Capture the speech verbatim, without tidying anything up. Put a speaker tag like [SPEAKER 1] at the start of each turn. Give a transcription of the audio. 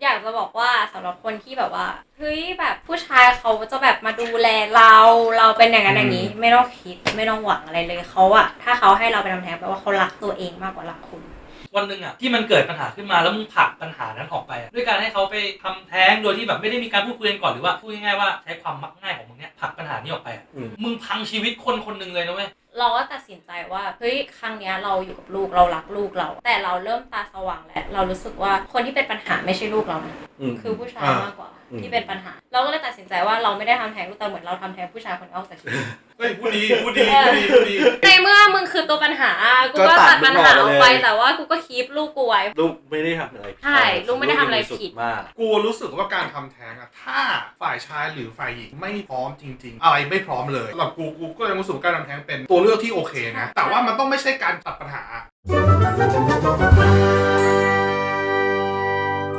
[SPEAKER 1] อยากจะบอกว่าสำหรับคนที่แบบว่าเฮ้ยแบบผู้ชายเขาจะแบบมาดูแลเราเราเป็นอย่างนั้นอย่างนี้ไม่ต้องคิดไม่ต้องหวังอะไรเลยเขาอะถ้าเขาให้เราไปทำแท้งแปลว่าเขารักตัวเองมากกว่ารักคุณ
[SPEAKER 2] วันหนึ่งอ่ะที่มันเกิดปัญหาขึ้นมาแล้วมึงผลักปัญหานั้นออกไปด้วยการให้เขาไปทำแท้งโดยที่แบบไม่ได้มีการพูดคุยกันก่อนหรือว่าพูดง่ายๆว่าใช้ความมักง่ายของมึงเนี่ยผลักปัญหานี้ออกไปมึงพังชีวิตคนคนหนึ่งเลยนะเว้ย
[SPEAKER 1] เราก็ตัดสินใจว่าเฮ้ยครั้งนี้เราอยู่กับลูกเรารักลูกเราแต่เราเริ่มตาสว่างแล้วเรารู้สึกว่าคนที่เป็นปัญหาไม่ใช่ลูกเรานะคือผู้ชายมากกว่าที่เป็นปัญหาเราก็เลยตัดสินใจว่าเราไม่ได้ทำแท้งลูกแต่เหมือนเราทำแท้งผู้ชายคนนอกจากชีวิต
[SPEAKER 3] เฮ้ยพูดดีพูดดีพูดดีพูดดี
[SPEAKER 1] ในเมื่อมึงคือตัวปัญหากูก็ตัดปัญหาออกไปแต่ว่ากูก็คีปลูกกูไว้
[SPEAKER 4] ลูกไม่ได้ทำอะไร
[SPEAKER 1] ใช่ลูกไม่ได้ทำอะไรผิด
[SPEAKER 4] มาก
[SPEAKER 3] กูรู้สึกว่าการทำแท้งอะถ้าฝ่ายชายหรือฝ่ายหญิงไม่พร้อมจริงๆอะไรไม่พร้อมเลยสำหรับกูกูก็ยังรู้สึกว่าการทำแท้งเป็นตัวเลือกที่โอเคนะแต่ว่ามันต้องไม่ใช่การตัดปัญหา